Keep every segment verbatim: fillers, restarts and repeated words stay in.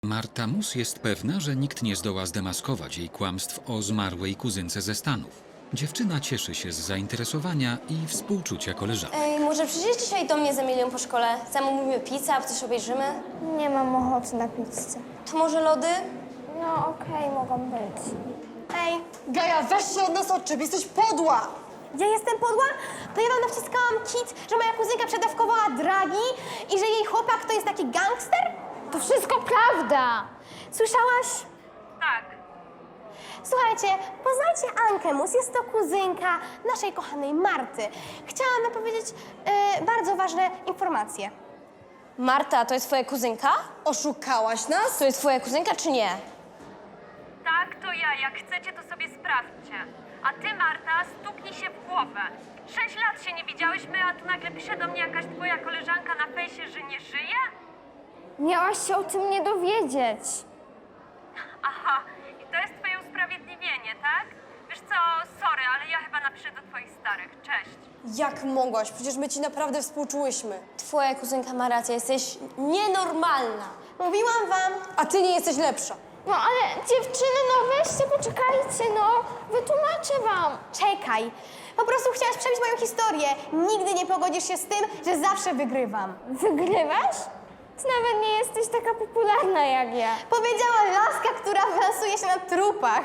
Marta Mus jest pewna, że nikt nie zdoła zdemaskować jej kłamstw o zmarłej kuzynce ze Stanów. Dziewczyna cieszy się z zainteresowania i współczucia koleżanek. Ej, może przyjdziesz dzisiaj do mnie z Emilią po szkole? Zamówimy pizzę, a coś obejrzymy? Nie mam ochoty na pizzę. To może lody? No okej, mogą być. Ej, Gaja, weź się od nas odczep, jesteś podła! ja jestem podła? To ja wam nawciskałam kit, że moja kuzynka przedawkowała dragi i że jej chłopak to jest taki gangster? To wszystko prawda! Słyszałaś? Tak. Słuchajcie, poznajcie Ankę Mus, jest to kuzynka naszej kochanej Marty. Chciałam wam powiedzieć e, bardzo ważne informacje. Marta, to jest twoja kuzynka? Oszukałaś nas? To jest twoja kuzynka, czy nie? Tak, to ja. Jak chcecie, to sobie sprawdźcie. A ty, Marta, stuknij się w głowę. Sześć lat się nie widziałyśmy, a tu nagle pisze do mnie jakaś twoja koleżanka na fejsie, że nie żyje? Miałaś się o tym nie dowiedzieć. Aha, i to jest twoje usprawiedliwienie, tak? Wiesz co, sorry, ale ja chyba napiszę do twoich starych. Cześć. Jak mogłaś? Przecież my ci naprawdę współczułyśmy. Twoja kuzynka ma rację, jesteś nienormalna. Mówiłam wam. A ty nie jesteś lepsza. No ale dziewczyny, no weźcie, poczekajcie, no. Wytłumaczę wam. Czekaj. Po prostu chciałaś przebić moją historię. Nigdy nie pogodzisz się z tym, że zawsze wygrywam. Wygrywasz? Ty nawet nie jesteś taka popularna jak ja. Powiedziała laska, która lansuje się na trupach.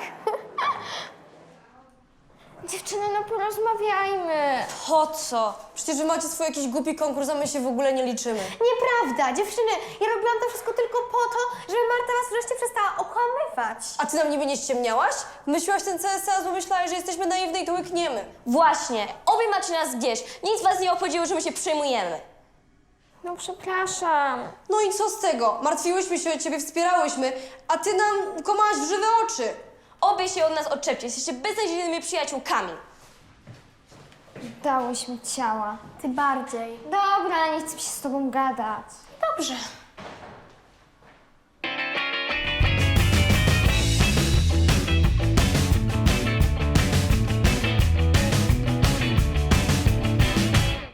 Dziewczyny, no porozmawiajmy. Po co? Przecież wy macie swój jakiś głupi konkurs, a my się w ogóle nie liczymy. Nieprawda, dziewczyny. Ja robiłam to wszystko tylko po to, żeby Marta was wreszcie przestała okłamywać. A ty nam niby nie ściemniałaś? Myślałaś ten C S A, bo myślałaś, że jesteśmy naiwne i to łykniemy. Właśnie. Obie macie nas gdzieś. Nic was nie obchodziło, że my się przejmujemy. No przepraszam. No i co z tego? Martwiłyśmy się o ciebie, wspierałyśmy, a ty nam kłamałaś w żywe oczy. Obie się od nas odczepcie. Jesteście beznadziejnymi przyjaciółkami. Dałyśmy ciała. Ty bardziej. Dobra, nie chcę się z tobą gadać. Dobrze.